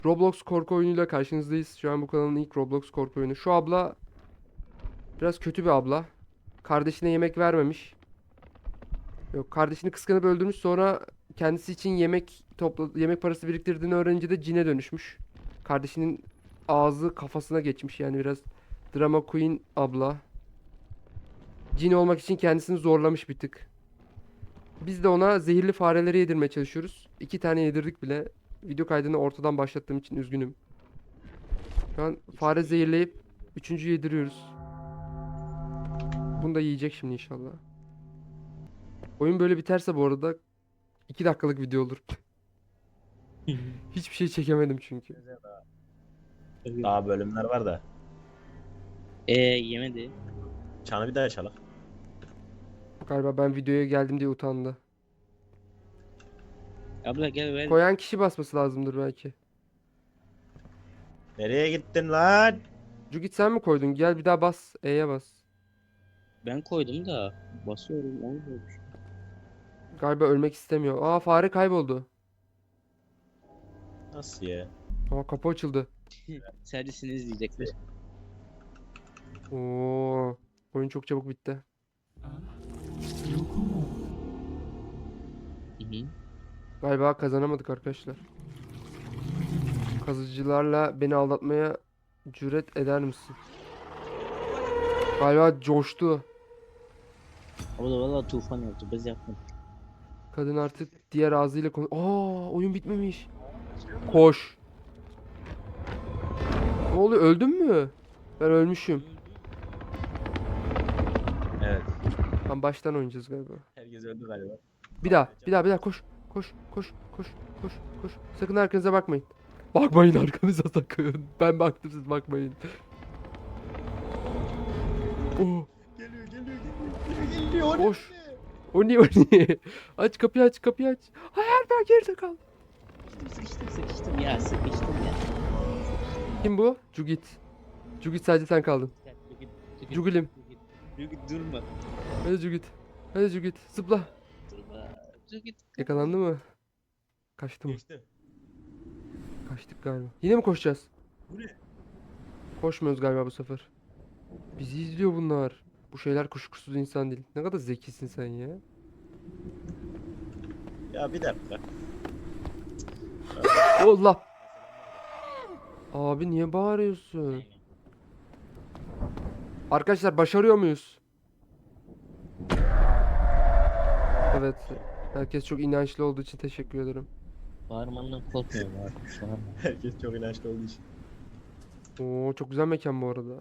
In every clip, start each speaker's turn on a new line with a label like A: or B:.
A: Roblox korku oyunuyla karşınızdayız. Şu an bu kanalın ilk Roblox korku oyunu. Şu abla biraz kötü bir abla. Kardeşine yemek vermemiş. Yok, kardeşini kıskanıp öldürmüş, sonra kendisi için yemek parası biriktirdiğini öğrenince de cine dönüşmüş. Kardeşinin ağzı kafasına geçmiş, yani biraz drama queen abla. Cin olmak için kendisini zorlamış bir tık. Biz de ona zehirli fareleri yedirmeye çalışıyoruz. 2 tane yedirdik bile. Video kaydını ortadan başlattığım için üzgünüm. Şu an fare zehirleyip üçüncü yediriyoruz. Bunu da yiyecek şimdi inşallah. Oyun böyle biterse bu arada 2 dakikalık video olur. Hiçbir şey çekemedim çünkü.
B: Daha bölümler var da.
C: Yemedi.
B: Çanı bir daha çalak.
A: Galiba ben videoya geldim diye utandı.
C: Abla gel ver.
A: Koyan kişi basması lazımdır belki.
B: Nereye gittin lan?
A: Cugit sen mi koydun? Gel bir daha bas. E'ye bas.
C: Ben koydum da basıyorum olmuyor.
A: Galiba ölmek istemiyor. Aa, fare kayboldu.
B: Nasıl ya?
A: Aa, kapı açıldı.
C: Sadece seni izleyecekler.
A: Oo, oyun çok çabuk bitti.
C: Hı hı.
A: Galiba kazanamadık arkadaşlar. Kazıcılarla beni aldatmaya cüret eder misin? Galiba coştu.
C: Abla valla tufan yaptı. Biz yapmadık.
A: Kadın artık diğer ağzıyla konu... Aa, oyun bitmemiş. Koş. Ne oluyor? Öldün mü? Ben ölmüşüm.
B: Evet.
A: Tam baştan oynayacağız galiba.
B: Herkes öldü galiba.
A: Bir daha koş. Koş. Sakın arkanıza bakmayın. Bakmayın arkanıza sakın. Ben baktım, siz bakmayın. Oh,
B: Geliyor.
A: koş. O niye? Aç kapıyı, aç. Hayır, ben geride kal.
C: Sıkıştım ya sıkıştım ya.
A: Kim bu? Cugit. Cugit, sadece sen kaldın. Cugilim.
C: Durma.
A: Hadi Cugit. Zıpla.
C: Durma. Cugit.
A: Yakalandı mı? Kaçtı mı?
B: Geçti.
A: Kaçtık galiba. Yine mi koşacağız?
B: Bu ne?
A: Koşmuyoruz galiba bu sefer. Bizi izliyor bunlar. Bu şeyler kuşkusuz insan değil. Ne kadar zekisin sen ya.
B: Ya bir dakika.
A: Allah. Abi niye bağırıyorsun? Arkadaşlar, başarıyor muyuz? Evet. Herkes çok inançlı olduğu için teşekkür ederim.
C: Bağırmandan korkmuyorum artık şu an.
B: Herkes çok inançlı olduğu için.
A: Oo, çok güzel mekan bu arada.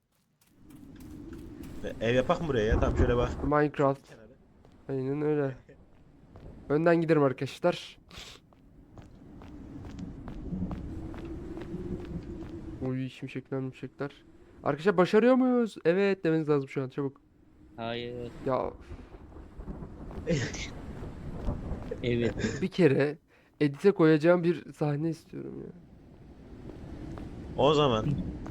B: Ev yapak mı buraya ya? Tam şöyle bak.
A: Minecraft.
B: Kenara.
A: Aynen öyle. Önden giderim arkadaşlar. Uy, şimşekler. Arkadaşlar, başarıyor muyuz? Evet demeniz lazım şu an, çabuk.
C: Hayır.
A: Ya,
C: Evet.
A: bir kere edite koyacağım bir sahne istiyorum ya.
B: O zaman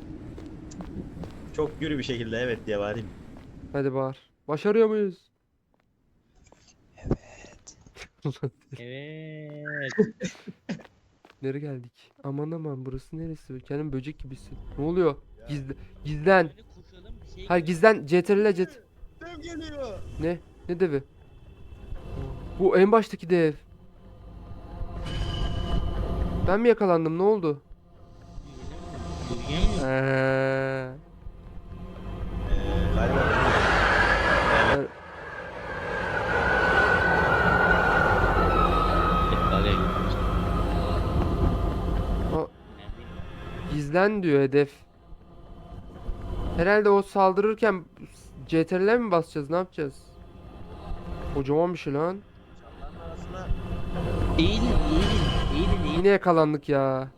B: çok gürü bir şekilde evet diye bağırayım.
A: Hadi bağır. Başarıyor muyuz?
C: Evet.
A: Nereye geldik? Aman burası neresi? Kendim böcek gibisin. Ne oluyor? Gizlen.
C: Böyle koşalım bir şey.
A: Hayır, gizlen. CTRL cet.
B: Dev geliyor.
A: Ne? Ne devi? Bu en baştaki dev. Ben mi yakalandım? Ne oldu?
C: Yürüyemiyorum.
B: Galiba.
A: Ben-
C: Araya gitmiş.
A: Aa, gizlen diyor hedef. Herhalde o saldırırken CTRL'e mi basacağız? Ne yapacağız? Kocaman bir şey lan.
B: Çanların arasına
C: Eğilin.
A: Yine yakalandık ya.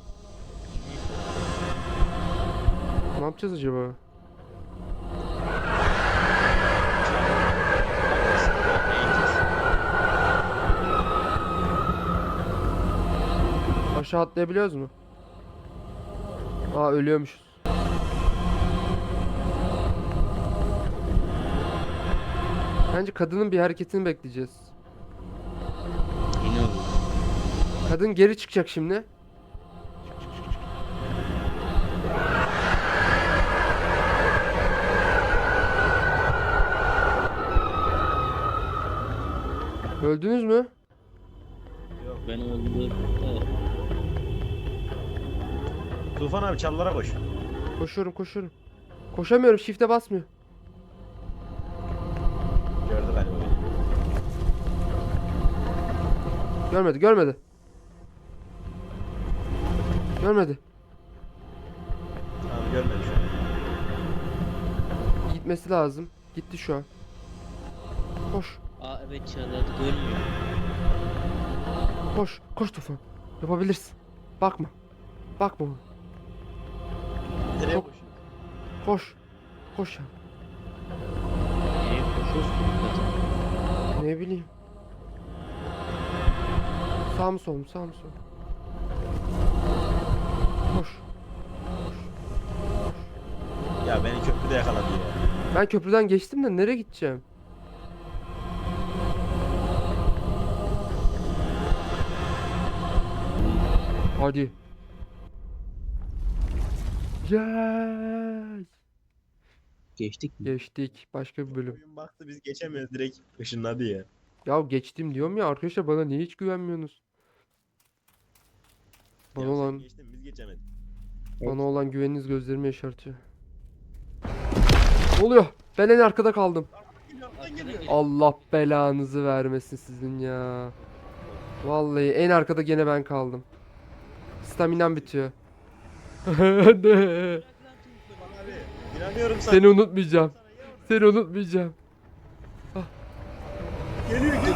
A: Ne yapacağız acaba? Aşağı atlayabiliyoruz mu? Aa, ölüyormuşuz. Bence kadının bir hareketini bekleyeceğiz.
C: Yine oldu.
A: Kadın geri çıkacak şimdi. Öldünüz mü?
B: Yok.
C: Ben öldüm.
B: Tufan abi çalılara koş.
A: Koşuyorum koşuyorum. Koşamıyorum, shift'e basmıyor.
B: Gördü galiba beni.
A: Görmedi görmedi. Görmedi.
B: Tamam görmedi şu an.
A: Gitmesi lazım. Gitti şu an. Koş.
C: Aa evet çağırdı görmüyor.
A: Koş. Koş Tufan. Yapabilirsin. Bakma. Bakma ona.
B: Nereye
A: Çok-
B: koşuyor?
A: Koş. Koş ya.
C: Nereye koşuyorsun zaten?
A: Ne bileyim. Sağ mı sol mu? Sağ mı sol mu? Koş.
B: Ya beni köprüde yakaladı ya.
A: Ben köprüden geçtim de nereye gideceğim? Hadi. Yes.
C: Geçtik mi?
A: Geçtik. Başka bir bölüm.
B: Oyun baktı biz geçemiyoruz, direkt ışınladı ya.
A: Ya geçtim diyorum ya arkadaşlar, bana niye hiç güvenmiyorsunuz? Bana
B: Ya sen
A: olan
B: geçtin biz geçemedik.
A: bana olan güveniniz gözlerimi yaşartıyor. Ne oluyor? Ben en arkada kaldım.
B: Arkadan geliyor.
A: Allah belanızı vermesin sizin ya. Vallahi en arkada gene ben kaldım. Staminam bitiyor. Ne?
B: Tufan abi inanıyorum sana.
A: Seni unutmayacağım. Seni unutmayacağım.
B: Geliyor geliyor.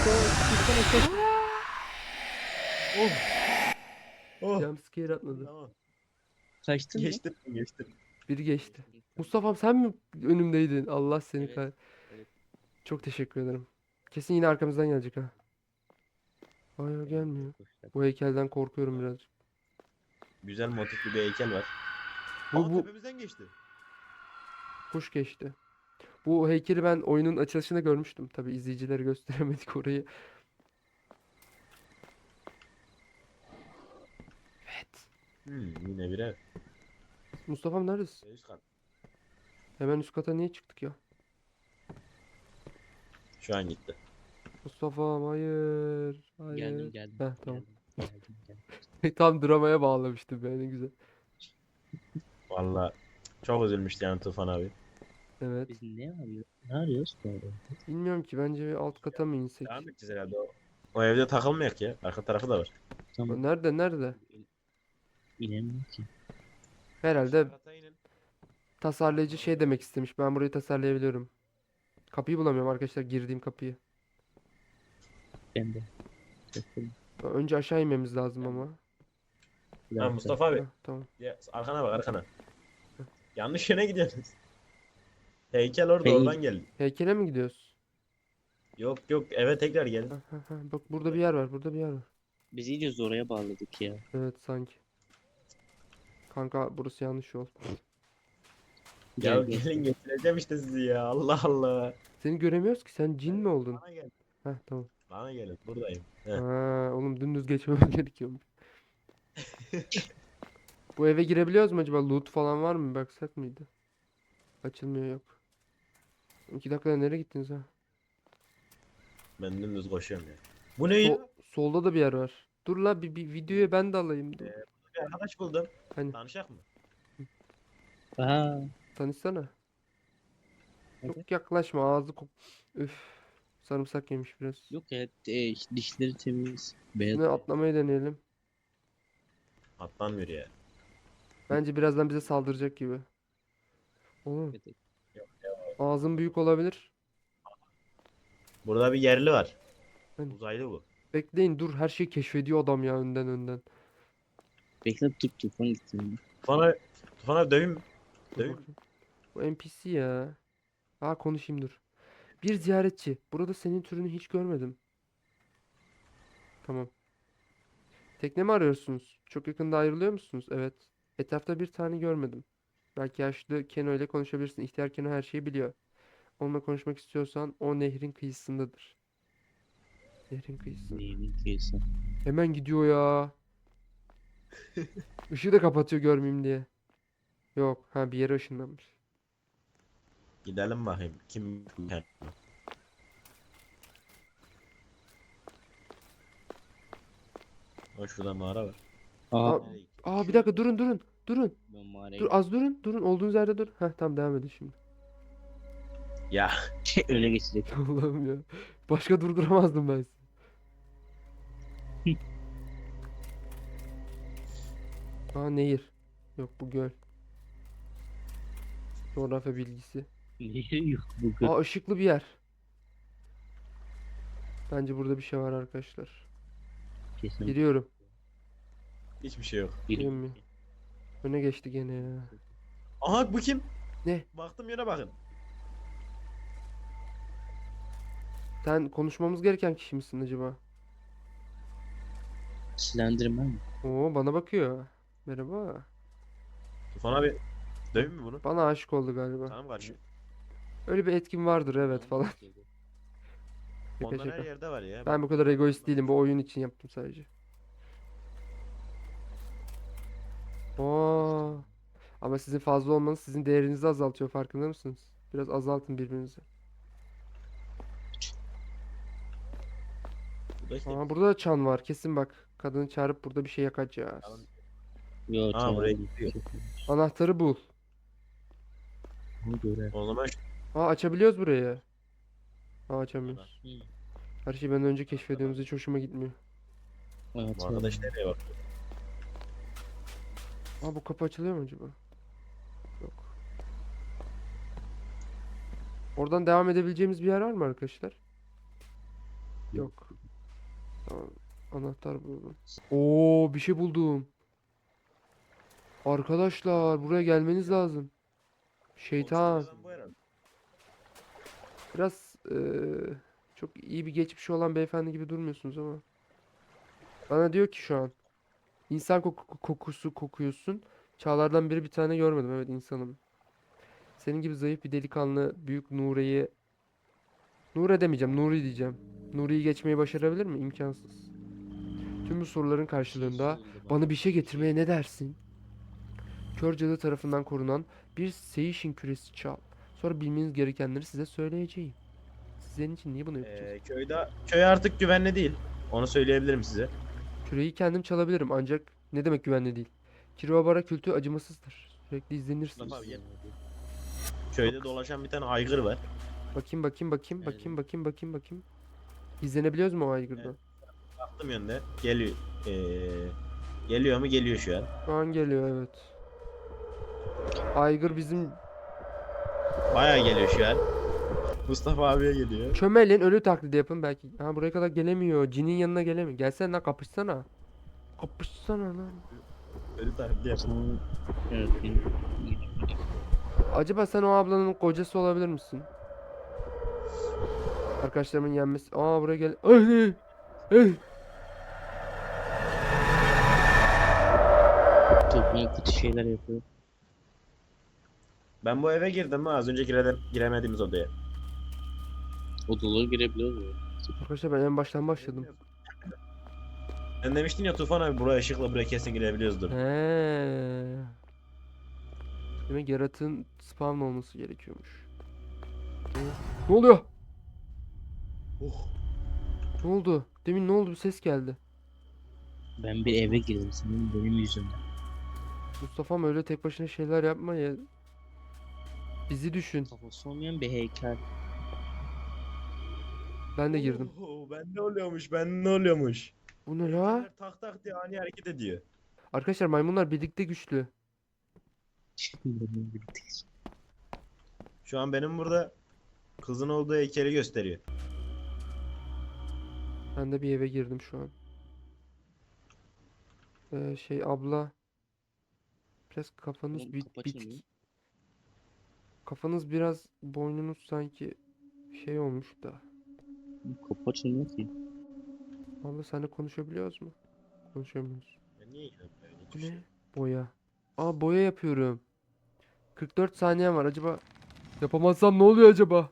B: Oh. Oh.
A: Jumpscare atladı.
B: Tamam.
C: Kaçtın mı?
B: Geçtim.
A: Biri geçti. Mustafa'm sen mi önümdeydin? Allah seni
C: Evet,
A: kah-
C: evet.
A: Çok teşekkür ederim. Kesin yine arkamızdan gelecek ha. Hayır gelmiyor. Bu heykelden korkuyorum birazcık.
B: Güzel motifli bir heykel var.
A: Bu
B: Tepemizden geçti.
A: kuş geçti. Bu heykeli ben oyunun açılışında görmüştüm. Tabi izleyicilere gösteremedik orayı. Evet.
B: Yine bir ev.
A: Mustafa'm neredesin?
B: Üst kat.
A: Hemen üst kata niye çıktık ya?
B: Şu an gitti.
A: Mustafa'm hayır. Hayır.
C: Geldim.
A: Heh, tamam.
C: Geldim.
A: Tam dramaya bağlamıştım yani güzel.
B: Valla çok üzülmüştü yani Tufan abi.
A: Evet.
C: Biz ne arıyoruz? Ne arıyoruz bu arada?
A: Bilmiyorum ki, bence bir alt kata mı insek?
B: Devam edeceğiz herhalde o. O evde takılmayak ya. Arka tarafı da var.
C: Tamam.
A: Nerede?
C: İnemiyorum ki.
A: Herhalde tasarlayıcı şey demek istemiş. Ben burayı tasarlayabiliyorum. Kapıyı bulamıyorum arkadaşlar, girdiğim kapıyı.
C: Ben de. Bakın,
A: Önce aşağı inmemiz lazım ama.
C: bir
B: Ha
C: dakika.
B: Mustafa abi.
A: Heh, tamam.
B: Ya, arkana bak arkana. Yanlış yöne gidiyorsunuz. Heykel orada
C: Hey.
B: oradan geldi.
A: Heykele mi gidiyoruz?
B: Yok eve tekrar gelin.
A: Bak burada bir yer var. Burada bir yer var.
C: Biz iyice oraya bağladık ya.
A: Evet sanki. Kanka burası yanlış yol.
B: Ya
C: Gel.
B: gelin getireceğim işte sizi ya. Allah Allah.
A: Seni göremiyoruz ki, sen cin mi oldun?
B: Bana gelin.
A: Heh tamam.
B: Bana gelin. Buradayım. Heh.
A: Ha, oğlum dümdüz geçmemiz gerekiyormuş. Bu eve girebiliyoruz mu acaba? Loot falan var mı? Baksak mıydı? Açılmıyor, yok. 2 dakikada nereye gittiniz ha?
B: Ben dümdüz koşuyorum ya. Bu ne ya?
A: Solda da bir yer var. Dur la, bir videoya ben de alayım. Dur.
B: Bir arkadaş buldum.
A: Hani
B: Tanışak mı?
C: Aha.
A: tanışsana.
C: Hadi.
A: Çok yaklaşma, ağzı kok. Üf. Sarımsak yemiş biraz.
C: Yok ya dişleri temiz. Beyaz.
A: Şimdi atlamayı deneyelim.
B: Atlanmıyor ya.
A: Bence birazdan bize saldıracak gibi. Oğlum
C: Evet.
A: ağzın büyük olabilir.
B: Burada bir yerli var.
A: Hani?
B: Uzaylı bu.
A: Bekleyin, dur, her şeyi keşfediyor adam ya, önden.
C: Bekle tufan gitsin.
B: Tufan abi döveyim mi?
A: Dur
B: Döveyim mi?
A: bakayım. Bu NPC ya. Konuşayım dur. Bir ziyaretçi. Burada senin türünü hiç görmedim. Tamam. Tekne mi arıyorsunuz? Çok yakında ayrılıyor musunuz? Evet. Etrafta bir tane görmedim. Belki yaşlı Keno ile konuşabilirsin. İhtiyar Keno her şeyi biliyor. Onunla konuşmak istiyorsan o nehrin kıyısındadır. Nehrin kıyısında.
C: Neyini kıyısı.
A: Hemen gidiyor ya. Işığı da kapatıyor görmeyeyim diye. Yok. Ha, bir yere ışınlanmış.
B: Gidelim bakayım. Kim? O şurada mağara var.
C: Aa,
A: Aa, Aa bir dakika durun durun. Durun.
C: ben mağaraya
A: Dur az durun. Durun olduğunuz yerde dur. Heh tamam devam edin şimdi.
B: Ya
C: öyle geçecek.
A: Allah'ım ya. Başka durduramazdım ben sizi. Aa nehir. Yok bu göl. Coğrafya bilgisi.
C: Niye yok bu
A: Aa ışıklı bir yer. Bence burada bir şey var arkadaşlar.
C: kesin.
A: Giriyorum.
B: hiçbir şey yok.
A: Girmiyor. Öne geçti gene ya.
B: Aha bu kim?
A: Ne?
B: Baktım yere bakın.
A: Sen konuşmamız gereken kişi misin acaba?
C: Slenderman mi?
A: Oo bana bakıyor. Merhaba.
B: Tufan abi dövün mü bunu?
A: Bana aşık oldu galiba.
B: Sana mı karşı?
A: Öyle bir etkin vardır evet falan. Şaka
B: Ondan her
A: şaka.
B: yerde var ya.
A: Ben bu kadar egoist değilim. Bu oyun için yaptım sadece. Oo. Ama sizin fazla olmanız sizin değerinizi azaltıyor farkında mısınız? Biraz azaltın birbirinizi.
B: Burada işte.
A: Aa burada da çan var. Kesin bak. Kadını çağırıp burada bir şey yakacağız.
B: Tamam.
C: Yo,
B: Aa,
C: tamam.
B: buraya gidiyor.
A: Anahtarı bul.
C: Onu göre.
B: O zaman şu
A: Aa açabiliyoruz burayı. Aa açamıyoruz.
C: Hı.
A: Her şeyi benden önce keşfediyorsunuz. Hiç hoşuma gitmiyor.
C: Evet,
B: bu arkadaş nereye bak?
A: Aa bu kapı açılıyor mu acaba? Yok. Oradan devam edebileceğimiz bir yer var mı arkadaşlar? Yok. Tamam. Anahtar buldum. Oo bir şey buldum. Arkadaşlar buraya gelmeniz lazım. Şeytan.
B: Bu herhalde.
A: Biraz çok iyi bir geçmişi olan beyefendi gibi durmuyorsunuz ama. Bana diyor ki şu an. İnsan kokusu kokuyorsun. Çağlardan beri bir tane görmedim. Evet insanım. Senin gibi zayıf bir delikanlı büyük Nure'yi Nure demeyeceğim, Nuri diyeceğim. Nuri'yi geçmeyi başarabilir mi? İmkansız. Tüm bu soruların karşılığında bana bir şey getirmeye ne dersin? Kör cadı tarafından korunan bir Seishin küresi çal. Sonra bilmeniz gerekenleri size söyleyeceğim. Sizin için niye bunu yapacağız?
B: Köy artık güvenli değil. Onu söyleyebilirim size.
A: Küreyi kendim çalabilirim ancak ne demek güvenli değil? Kirovara kültü acımasızdır. Sürekli izlenirsiniz.
B: Mustafa abi gel. Köyde dolaşan bir tane aygır var.
A: Bakayım bakayım bakayım bakayım bakayım bakayım bakayım. İzlenebiliyoruz mu o aygırdan?
B: Baktım yönde. Geliyor. Geliyor mu? Geliyor şu an.
A: Şu an geliyor evet. Aygır bizim
B: Bayağı geliyor şu an. Mustafa abiye geliyor.
A: çömelin ölü taklidi yapın belki. Ha buraya kadar gelemiyor. Cinin yanına gelemiyor. Gelsene lan kapışsana. Kapışsana lan.
B: Öyle taklidi yapın.
C: Sonra evet benim.
A: Acaba sen o ablanın kocası olabilir misin? Arkadaşlarımın yenmesi. Aa buraya gel. Ay, ay.
C: Topluma kötü şeyler yapıyor.
B: Ben bu eve girdim mi? Az önce giremediğimiz odaya.
C: Odalara girebiliyor mu?
A: Arkadaşlar ben en baştan başladım.
B: Sen demiştin ya Tufan abi buraya ışıkla buraya kesin girebiliyoruzdur.
A: He. Demek yaratığın spawn olması gerekiyormuş. Ne oluyor?
B: Oh.
A: Ne oldu? Demin ne oldu? Bir ses geldi.
C: Ben bir eve girdim senin benim yüzümden.
A: Mustafa'm öyle tek başına şeyler yapma ya. Bizi düşün.
C: Kafası olmayan bir heykel.
A: Ben de girdim.
B: Ben ne oluyormuş? Ben ne oluyormuş?
A: Bu ne la?
B: Heykeller tak tak diye ani hareket ediyor.
A: Arkadaşlar maymunlar birlikte güçlü.
C: Benimle birlikteyiz.
B: Şu an benim burada kızın olduğu heykeli gösteriyor.
A: Ben de bir eve girdim şu an. Şey abla. Biraz kafanız
C: Oğlum, kapı
A: bitik.
C: açılmıyor.
A: Kafanız biraz boynunuz sanki şey olmuş da.
C: Kapı açılmıyor ki.
A: Abla seninle konuşabiliyoruz mu? Konuşamıyoruz.
B: Ya niye yine böyle
A: Bu
B: hiçbir şey?
A: ne? Boya. Aa boya yapıyorum. 44 saniyem var. Acaba yapamazsam ne oluyor acaba?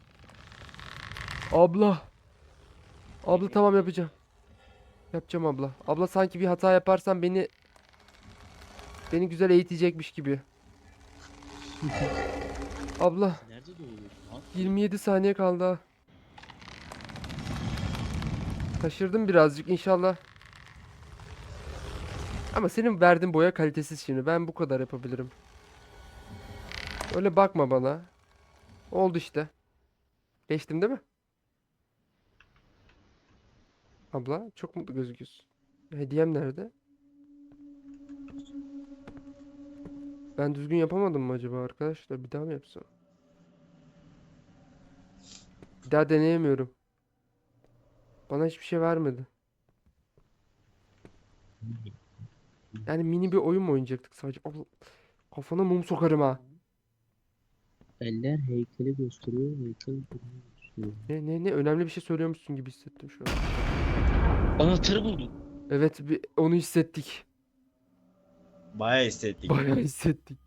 A: Abla. Abla tamam yapacağım. Yapacağım abla. Abla sanki bir hata yaparsam beni güzel eğitecekmiş gibi. Abla
C: Nerede doğuyorsun lan?
A: 27 saniye kaldı. Ha. Taşırdım birazcık inşallah. Ama senin verdiğin boya kalitesiz şimdi. Ben bu kadar yapabilirim. Öyle bakma bana. Oldu işte. Geçtim değil mi? Abla çok mutlu gözüküyorsun. Hediyem nerede? Ben düzgün yapamadım mı acaba arkadaşlar? Bir daha mı yapsam? Bir daha deneyemiyorum. Bana hiçbir şey vermedi. Yani mini bir oyun mu oynayacaktık sadece? Abla, kafana mum sokarım ha.
C: Eller heykeli gösteriyor. Heykel gösteriyor.
A: Ne önemli bir şey söylüyormuşsun gibi hissettim şu an.
C: Anahtarı buldum.
A: Evet onu hissettik.
B: Bayağı hissettik.
A: Bayağı hissettik.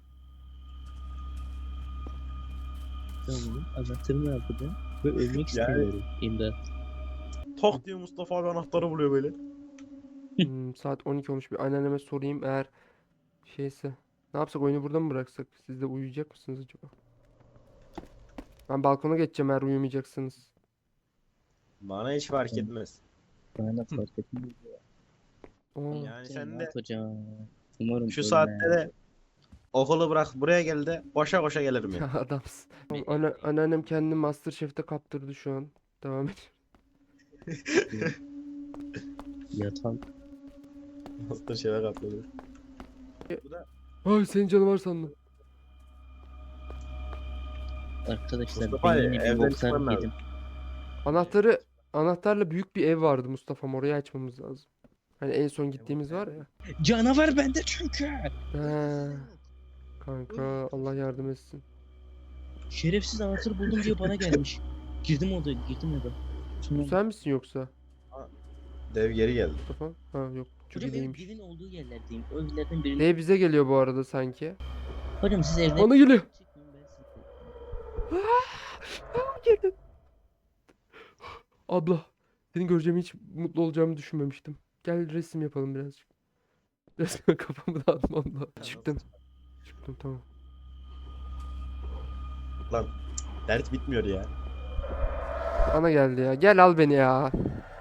C: Tamam. Anahtarı ne yapacağım? Ve ölmek
B: Yani-
C: istemiyorum. İmdat.
B: Tok diyor Mustafa abi anahtarı buluyor böyle.
A: Saat 12 olmuş. Bir anneanneme sorayım eğer şeyse. Ne yapsak, oyunu burada mı bıraksak? Siz de uyuyacak mısınız acaba? Ben balkona geçeceğim eğer uyumayacaksınız.
B: Bana hiç fark
C: Tamam.
B: etmez.
C: Bana fark etmez.
A: Oo.
B: Yani sen
C: Ne
B: de
C: yapacağım? Umarım
B: şu
C: ölmem.
B: saatte de okulu bırak buraya gel de koşa koşa gelirim ya.
A: Ya adamsın. Tamam, anneannem kendini MasterChef'te kaptırdı şu an. Devam et.
C: Yatak.
B: Master şeye katlanıyor. Bu da
A: Ay senin canı var sandım.
C: Arkadaşlar
B: Mustafa
C: ben
B: abi,
C: yine bir
B: evden
C: boklar
B: çıkman lazım.
C: yedim.
A: Anahtarla büyük bir ev vardı Mustafa'm, orayı açmamız lazım. Hani en son gittiğimiz var ya.
C: Canavar bende çünkü.
A: He, kanka Allah yardım etsin.
C: Şerefsiz anahtarı buldum diye bana gelmiş. Girdim odaya, girdim eve.
A: Bu
C: Sonra
A: sen misin yoksa
B: dev geri geldi.
A: Mustafa? Ha yok, çok
C: hocam
A: iyi
C: benim
A: değilmiş.
C: evin olduğu yerlerdeyim. O evlerden birinde.
A: Dev bize geliyor bu arada sanki.
C: Hocam siz evde...
A: Bana geliyor.
C: Çıkmayın, ben sizi-
A: Girdim. Abla, seni göreceğimi hiç mutlu olacağımı düşünmemiştim. Gel resim yapalım birazcık. Resme kafamı dağıtmam da. Çıktım. Çıktım tamam.
B: Lan dert bitmiyor ya.
A: Bana geldi ya. Gel al beni ya.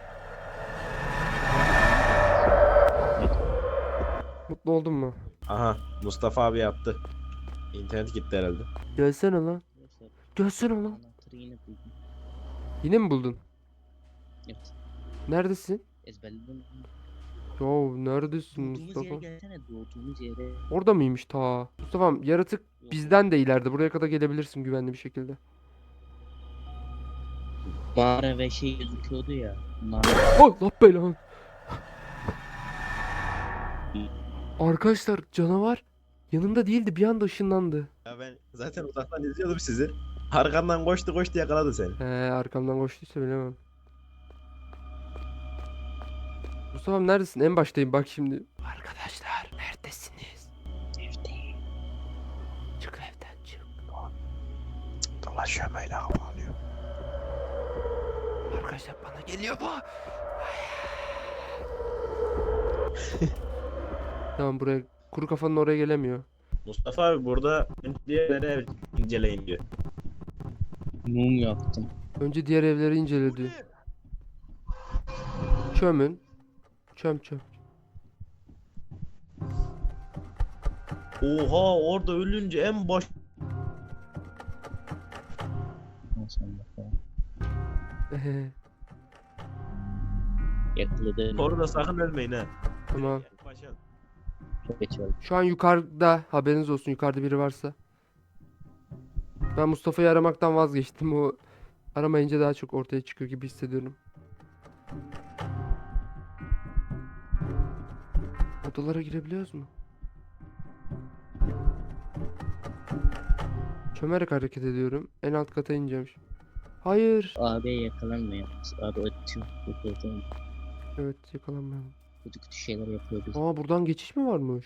A: Mutlu oldun mu?
B: Aha Mustafa abi yaptı. İnternet gitti herhalde.
A: Gelsene lan.
C: Arkadaşlar,
A: Gelsene lan.
C: anahtarı yine buldum.
A: Yine mi buldun?
C: Evet.
A: Neredesin?
C: Ezberledim.
A: Yo neredesin
C: Doğduğumuz yere
A: Mustafa?
C: gelsene, doğduğumuz yere.
A: Orada mıymış ta? Mustafa'm yaratık
C: Yok.
A: bizden de ileride. Buraya kadar gelebilirsin güvenli bir şekilde.
C: Mağara ve şey gözüküyordu ya. Mağara.
A: Oh la belanı. Arkadaşlar canavar yanımda değildi, bir anda ışınlandı.
B: Ya ben zaten uzaktan izliyordum sizi. Arkandan koştu koştu yakaladı seni.
A: He, arkamdan koştuysa bilemem. Mustafa'm neredesin? En baştayım bak şimdi. Arkadaşlar neredesiniz?
C: Evde.
A: Çık evden çık.
B: Dolaşıyor böyle havalıyor.
A: Arkadaşlar bana geliyor bu. Tamam, buraya kuru kafanın oraya gelemiyor.
B: Mustafa abi burada diğerleri ev inceleyin diyor.
C: Mum yaktım.
A: Önce diğer evleri inceledi. Çömün. Çöm.
B: Oha orada ölünce en baş...
C: Ondan sonra yakaladı.
B: Orada sakın ölmeyin ha.
A: Tamam.
B: Paşam.
C: Çok geç oldu.
A: Şu an yukarıda, haberiniz olsun, yukarıda biri varsa. Ben Mustafa'yı aramaktan vazgeçtim. O aramayınca daha çok ortaya çıkıyor gibi hissediyorum. Odalara girebiliyoruz mu? Çömerek hareket ediyorum. En alt kata ineceğim şimdi. Hayır.
C: Abiye yakalanmıyor. Abi atıyor. Yukarıdan
A: Evet, yakalanmayalım.
C: kötü kötü şeyler yapıyor biz.
A: Aa, buradan geçiş mi varmış?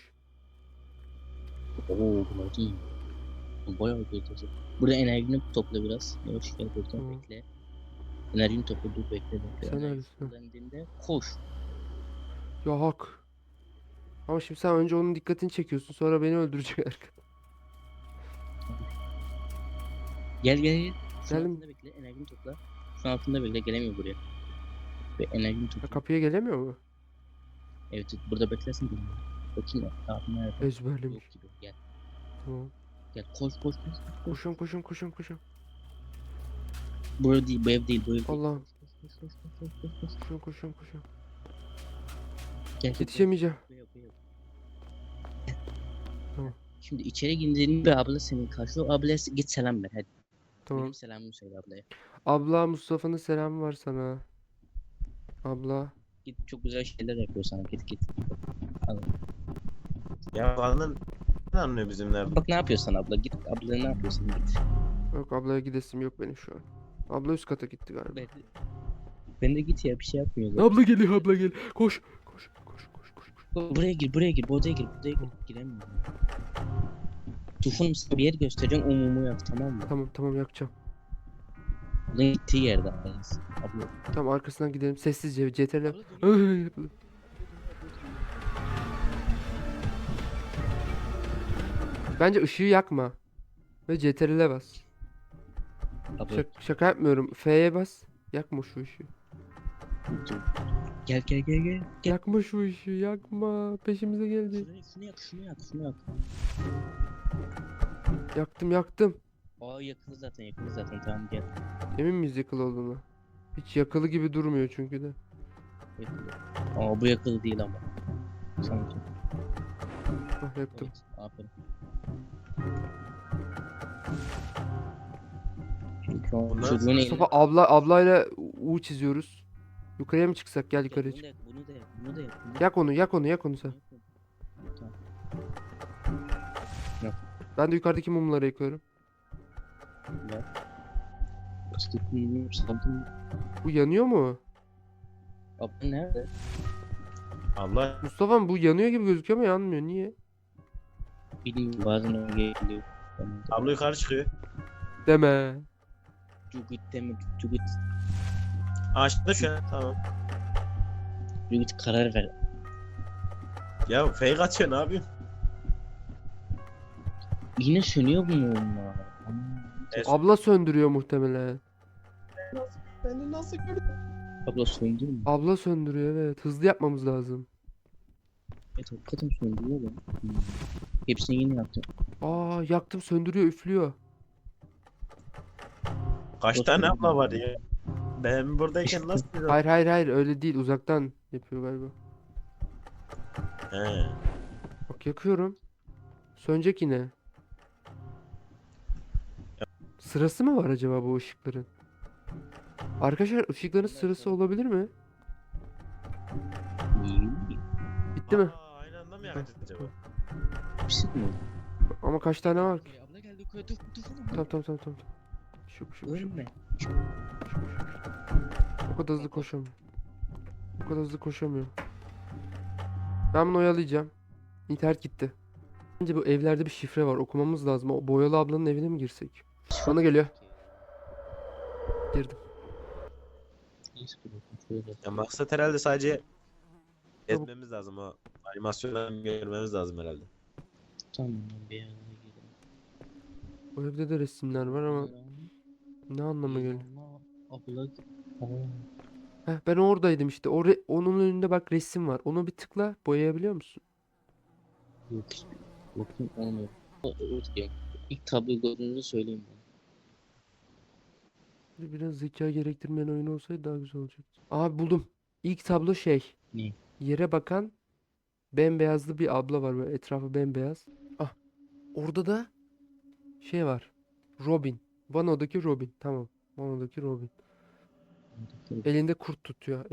C: Oo bunlar değil. Bayağı kötü. Burada enerjini topla biraz. Yavaş gel buradan
A: Tamam.
C: bekle. Enerjini topla, dur bekle.
A: Sen
C: Enerjisi
A: neredesin?
C: kullandığında koş.
A: Ya hak. Ama şimdi sen önce onun dikkatini çekiyorsun, sonra beni öldürecek arkadaş.
C: Gel. Şunun
A: Geldim.
C: altında bekle. Enerjini topla. Şunun altında bekle. Gelemiyor buraya. Ve enerjini
A: Ya
C: topla.
A: kapıya gelemiyor mu?
C: Evet burada beklersin beni. Bakayım ya. Abi nerede?
A: Ezberlemiş.
C: Yok gibi. Gel.
A: Tamam.
C: Gel koş koş koş. koş.
A: Koşun koşun koşun koşun.
C: Burada değil bu ev değil bu ev değil.
A: Allah'ım.
C: Koş koş koş koş koş koş koş.
A: Koşun koşun koşun.
C: Gel,
A: Yetişemeyeceğim.
C: buraya, buraya.
A: Tamam.
C: Şimdi içeri girdiğinde bir abla seni karşılıyor. Ablaya git selam ver hadi.
A: Tamam.
C: Benim selamımı söyle ablaya.
A: Abla Mustafa'nın selamı var sana. Abla.
C: Git çok güzel şeyler yapıyor sana git git. Al.
B: Ya kadın ne anlıyor bizim nerede?
C: Bak ne yapıyorsun abla git ablaya ne yapıyorsun git.
A: Yok ablaya gidesim yok benim şu an. Abla üst kata gitti galiba.
C: Ben de git ya bir şey yapmıyor zaten.
A: Abla geliyor abla gel. Koş. Koş koş koş koş. koş.
C: Buraya gir buraya gir bu odaya gir buraya gir. Giremiyorum. Tufun sana bir yer göstereceğim o mumu yak tamam mı?
A: Tamam tamam yakacağım.
C: Bunun gittiği yerde arayız. Abla.
A: Tamam arkasından gidelim sessizce CTRL.
C: Abla dönüyor.
A: Bence ışığı yakma. Ve CTRL'e bas.
C: Abla
A: Şaka yapmıyorum. F'ye bas. Yakma şu ışığı.
C: dur. Gel gel gel gel. Gel.
A: Yakma şu ışığı yakma. Peşimize gelecek.
C: Şunu yak şunu yak şunu yak.
A: Yaktım yaktım.
C: Aa yakılı zaten tamam gel.
A: Emin miyiz yakılı olduğuna? Hiç yakılı gibi durmuyor çünkü de.
C: Yakılı. Aa bu yakılı değil ama. Sanki.
A: Ah yaktım.
C: Evet, aferin. Çünkü o
B: Bunlar-
C: çocuğun elinde.
A: Mustafa ablayla U çiziyoruz. Yukarıya mı çıksak? Gel yukarıya
C: Bunu da
A: çık.
C: yak, bunu da yak, bunu da yak. Bunu da yak.
A: Yak onu yak onu yak onu sen.
C: Tamam.
A: Ben de yukarıdaki mumları yakıyorum.
C: Yak. Sıkıntı saldım.
A: Bu yanıyor mu?
C: Abla nerede?
B: Allah
A: Mustafa bu yanıyor gibi gözüküyor ama yanmıyor. Niye?
C: Bilmiyorum bazen öyle geliyor.
B: abla yukarı çıkıyor.
A: Deme.
C: Cugit deme Cugit.
B: Açtı şu an tamam.
C: Cugit karar ver.
B: Ya fake atıyor ne yapayım?
C: Yine sönüyor bu mumlar.
A: Abla söndürüyor muhtemelen.
B: Beni nasıl gördün?
C: Abla söndü mü?
A: Abla söndürüyor evet. Hızlı yapmamız lazım.
C: Evet hakikaten söndürüyor lan. Hepsini yeni yaptım.
A: Aa yaktım söndürüyor üflüyor.
B: Kaç
C: Nasıl
B: tane
C: gördün
B: abla var
C: ya?
B: ya? Ben buradayken nasıl bir
A: Hayır öyle değil uzaktan yapıyor galiba.
B: He.
A: Bak yakıyorum. Sönecek yine. Sırası mı var acaba bu ışıkların? Arkadaşlar ışıkların sırası olabilir mi? Bitti mi?
B: Aa, aynı anda mı yakacağız acaba?
C: Bir şey mi?
A: Ama kaç tane var ki?
C: Abla geldi yukarı dur.
A: Tamam. Şu.
C: Ölme.
A: O kadar hızlı koşamıyor. Ben bunu oyalayacağım. İnternet gitti. Bence bu evlerde bir şifre var. Okumamız lazım. O boyalı ablanın evine mi girsek? Bana geliyor. Girdim.
C: Neyse dur bakayım şöyle.
B: Ya maksat herhalde sadece etmemiz lazım o animasyonları görmemiz lazım herhalde.
C: Tamam bir yana gidelim.
A: O evde de resimler var ama ne anlama geliyor?
C: Abla.
A: Heh, ben oradaydım işte. Onun önünde bak resim var. Onu bir tıkla boyayabiliyor musun?
C: Yok. Bakayım olmuyor. İlk tabloyu gördüğünüzü söyleyeyim ben.
A: Biraz zeka gerektirmeyen oyun olsaydı daha güzel olacaktı. Abi buldum. İlk tablo şey.
C: Ne?
A: Yere bakan bembeyazlı bir abla var böyle etrafı bembeyaz. Ah. Orada da şey var. Robin. Vano'daki Robin. Tamam. Vano'daki Robin. Elinde kurt tutuyor.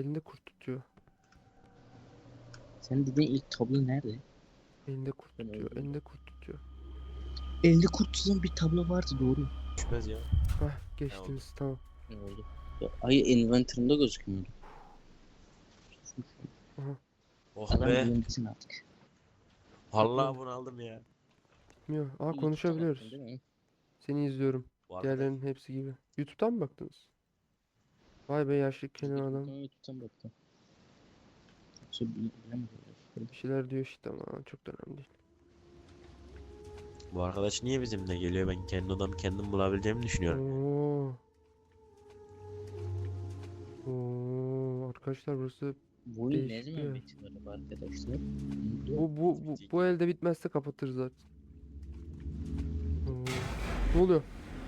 C: Sen dediğin ilk tablo nerede?
A: Elinde kurt
C: Ben
A: tutuyor.
C: öldüm.
A: Elinde kurt tutuyor.
C: Elde kurt tutan bir tablo vardı doğru.
B: Düşmez ya.
A: Hah geçtiniz tamam.
C: Ne oldu? Ya, ay inventory'ımda gözükmüyordu.
B: Oh
C: Adam
B: be.
C: bilinmesin artık.
B: Vallahi bunu aldım ya.
A: Bilmiyor. Aa
C: YouTube'da
A: konuşabiliyoruz.
C: baktın değil mi?
A: Seni izliyorum.
B: Bu arkadaş.
A: Diğerlerinin hepsi gibi. YouTube'dan mı baktınız? Vay be yaşlı kenar adam.
C: YouTube'dan baktım. Yoksa bilemedim.
A: Bir şeyler diyor işte ama çok da önemli değil.
B: Bu arkadaş niye bizimle geliyor? Ben kendi odamı kendim bulabileceğimi düşünüyorum.
A: Oo. Arkadaşlar burası
C: Bu oyun ne
A: Değişik
C: zaman
A: ya.
C: bitiyor acaba arkadaşlar?
A: Bu elde bitmezse kapatırız zaten. Oo. Ne oluyor?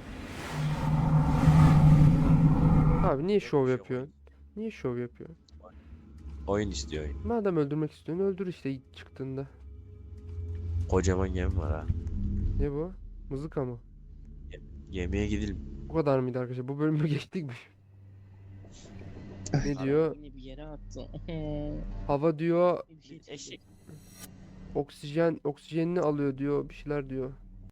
A: Abi niye şov
D: Yokmuş ya,
A: yapıyorsun? Niye şov yapıyorsun?
D: oyun istiyor oyun.
A: Madem öldürmek istiyorsun öldür işte ilk çıktığında.
D: Kocaman gemi var ha.
A: Ne bu? Mızıka mı?
D: Gemiye gidelim.
A: Bu kadar mıydı arkadaşlar? Bu bölümü geçtik mi? Ne diyor?
C: Yine bir yere attı.
A: Hava diyor
C: Bir şey
D: Eşek.
A: oksijenini alıyor diyor. Bir şeyler diyor.